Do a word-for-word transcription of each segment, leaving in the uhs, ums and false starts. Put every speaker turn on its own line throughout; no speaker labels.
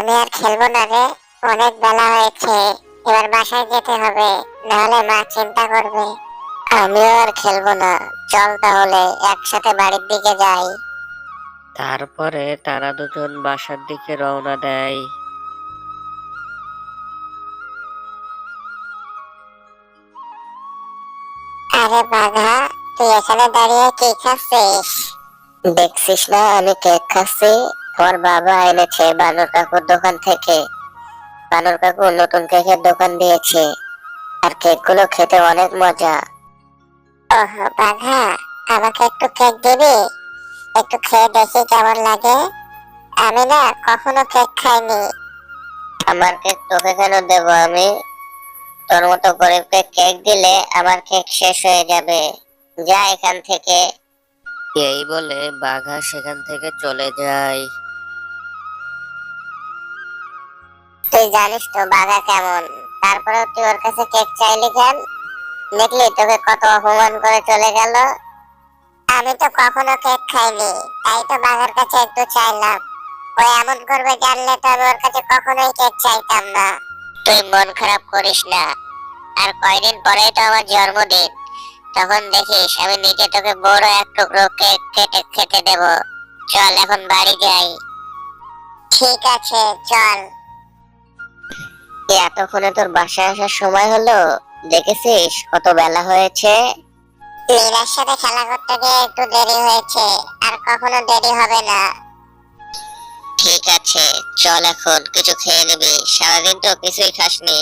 আমি আর খেলবো না রে, অনেক বেলা হয়েছে। এবার বাসায় যেতে হবে, নাহলে মা চিন্তা করবে। আমিও আর খেলবো না, চল তাহলে একসাথে বাড়ির দিকে যাই।
তারপরে তারা দুজন বাসার দিকে রওনা দেয়।
আরে বাঘা, তুই এখানে দাঁড়িয়ে কি খাচ্ছিস? দেখছিস না আমি কেক খাচ্ছি? ওর বাবা এনেছে বানর কাকুর দোকান থেকে। বানর কাকু নতুন কেকের দোকান দিয়েছে, আর কেক গুলো খেতে অনেক মজা। ওহ বাঘা, আমাকে একটু কেক দিবি? একটু খেয়ে দেখি কেমন লাগে। আমি না কখনো কেক খাইনি। আমার কেক তোকে কেন দেবো আমি? তোর মতো গরিবকে কেক দিলে আমার কেক শেষ হয়ে যাবে। যা এখান থেকে।
এই বলে বাঘা সেখান থেকে চলে যায়।
তুই জানিস তো বাঘা কেমন, তারপরেও তুই ওর কাছে কেক চাইলি কেন? দেখলি তোকে কত অপমান করে চলে গেল। আমি তো কখনো কেক খাইনি, তাই তো বাঘার কাছে একটু চাইলাম। ও এমন করবে জানলে তো আমি ওর কাছে কখনোই কেক চাইতাম না। তুই মন খারাপ করিস না, আর কয়দিন পরেই তো আমার জন্মদিন। তখন দেখিস আমি নিজে তোকে বড় এক টুকরো কেক কেটে খেতে দেব। চল এখন বাড়ি যাই। ঠিক আছে চল। এতক্ষণে তোর বাসায় আসার সময় হলো? দেখেছিস কত বেলা হয়েছে? মীরার সাথে খেলা করতে গিয়ে একটু দেরি হয়েছে, আর কখনো দেরি হবে না। ঠিক আছে চল, এখন কিছু খেয়ে নিবি, সারাদিন তো কিছুই খাসনি।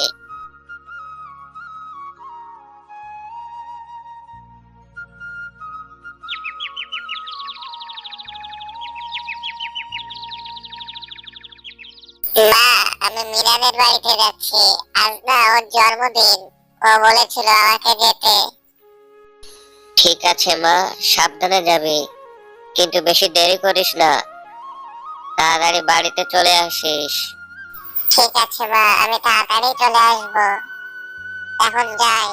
মা, আমি মিরানের বাড়িতে যাচ্ছি। আজ না ওর জন্মদিন, ও বলেছিল আমাকে যেতে। ঠিক আছে মা, সাবধানে যাবি, কিন্তু বেশি দেরি করিস না। তাড়াতাড়ি বাড়িতে চলে আসিস। ঠিক আছে মা, আমি তাড়াতাড়ি চলে আসবো। এখন যাই।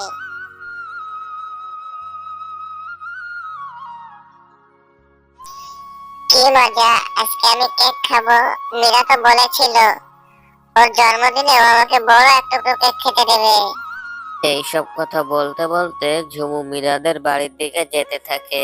কি মজা, আজকে আমি কেক খাবো। মীরা তো বলেছিল ওর জন্মদিনে ও আমাকে বড় একটা কেক খেতে দেবে।
এইসব কথা বলতে বলতে ঝুমু মীরাদের বাড়ির দিকে যেতে থাকে।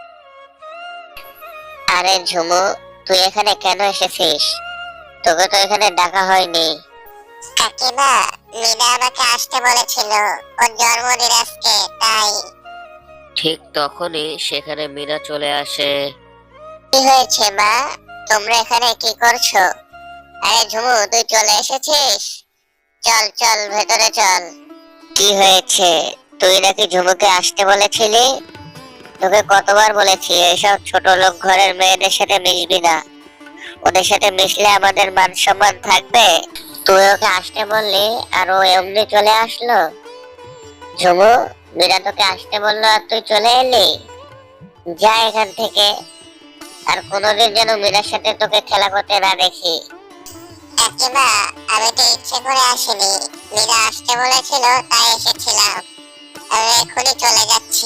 আরে ঝুমু, তুই এখানে কেন এসেছিস? তোকে তো এখানে ডাকা হয়নি। কাকিমা, মীরা আমাকে আসতে বলেছিল, ওর জন্মদিন আজকে, তাই।
ঠিক তখনই সেখানে মীরা চলে আসে।
কি হয়েছে মা, তোমরা এখানে কি করছো? আরে ঝুমু, তুই চলে এসেছিস? চল চল ভেতরে চল। কি হয়েছে? তুই নাকি ঝুমুকে আসতে বলেছিলি? তোকে কতবার বলেছি এসব ছোট লোক ঘরের মেয়েদের সাথে মিশবি না। ওদের সাথে মিশলে আমাদের মান সম্মান থাকবে? তুই ওকে আসতে বললি আর ও এমনি চলে আসলো? ঝুমু, মীরা তোকে আসতে বললো আর তুই চলে এলি? যা এখান থেকে, আর কোনোদিন যেন মীরার সাথে তোকে খেলা করতে না দেখি। কাকিমা, আমি তো ইচ্ছে করে আসিনি, মীরা আসতে বলেছিল তাই এসেছিলাম। আমি এখনই চলে যাচ্ছি।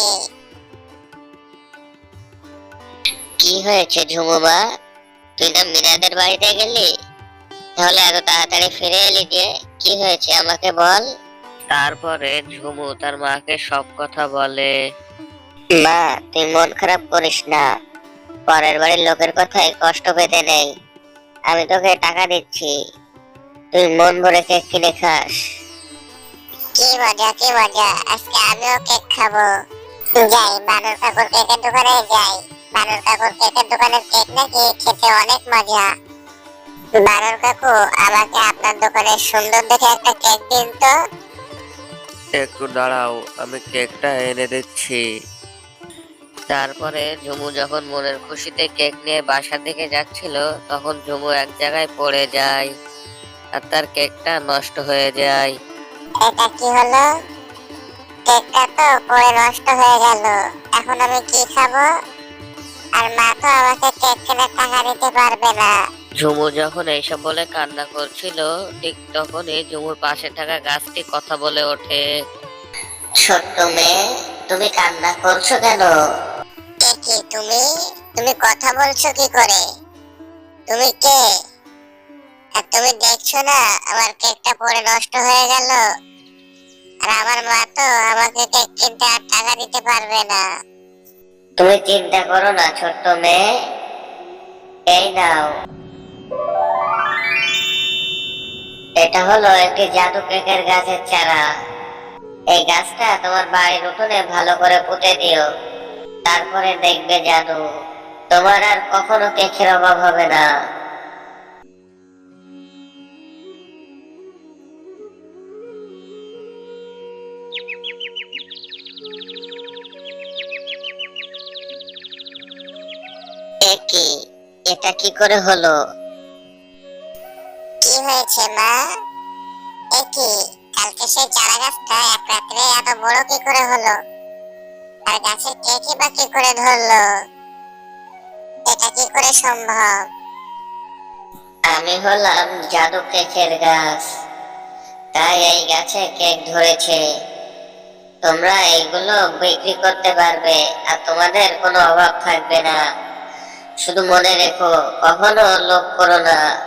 কি হয়েছে ঝুমু মা, তুই না মীরাদের বাড়িতে গেলি? তাহলে এত তাড়াতাড়ি ফিরে এলি যে, কি হয়েছে আমাকে বল।
তারপরে ঝুমু তার মাকে সব কথা বলে।
মা, তুই মন খারাপ করিস না, পরের বাড়ির লোকের কথায় কষ্ট পেতে নেই। আমি তোকে টাকা দিচ্ছি, তুই মন ভরে কেক কিনে খাস। কি মজা কি মজা, আজকে আমিও কেক খাবো। যাই বানর কাকুর কেকের দোকানে যাই। বানর কাকুর কেকের দোকানের কেক নাকি খেতে অনেক মজা। বানর কাকু, আমাকে আপনার দোকানে সুন্দর দেখে একটা কেক দিন তো।
একটু দাঁড়াও, আমি কেকটা এনে দিচ্ছি। তারপরে ঝুমু যখন মনের খুশিতে কেক নিয়ে বাসার দিকে যাচ্ছিল, তখন ঝুমু এক জায়গায় পড়ে যায় আর তার কেকটা নষ্ট হয়ে যায়।
এটা কি হলো? কেকটা তো পড়ে নষ্ট হয়ে গেল। এখন আমি কি খাবো? আর মা তো আমাকে কেক কেনার টাকা দিতে পারবে না।
ঝুমু যখন এইসব বলে কান্না করছিল, ঠিক তখনই ঝুমুর পাশে থাকা গাছটি কথা বলে ওঠে।
ছোট্ট মেয়ে, তুমি কান্না করছো কেন? কে কি তুমি? তুমি কথা বলছো কি করে? তুমি কে? আর তুমি দেখছো না আমার কেকটা পড়ে নষ্ট হয়ে গেল। আর আমার মা তো আমাকে কেক কিনতে আর টাকা দিতে পারবে না।
তুমি চিন্তা করো না ছোট্ট মেয়ে, এই নাও। এটা হলো একটি জাদু কেকের গাছের চারা। এই গাছটা তোমার বাড়ির উঠোনে ভালো করে পুঁতে দিও, তারপরে দেখবে জাদু, তোমার আর কখনো কেকের অভাব হবে না। এ কি, এটা কি করে হলো?
কি হয়েছে মা? এ কি, কালকে সেই চারা গাছটা এক রাত্রে এত বড় কি করে হলো? আর গাছের কেকই বা কি করে ধরলো? এটা কি করে সম্ভব?
আমি হলাম জাদু কেকের গাছ, তাই এই গাছে কেক ধরেছে। তোমরা এইগুলো বিক্রি করতে পারবে আর তোমাদের কোনো অভাব থাকবে না। শুধু মনে রেখো, কখনো লোভ করো না।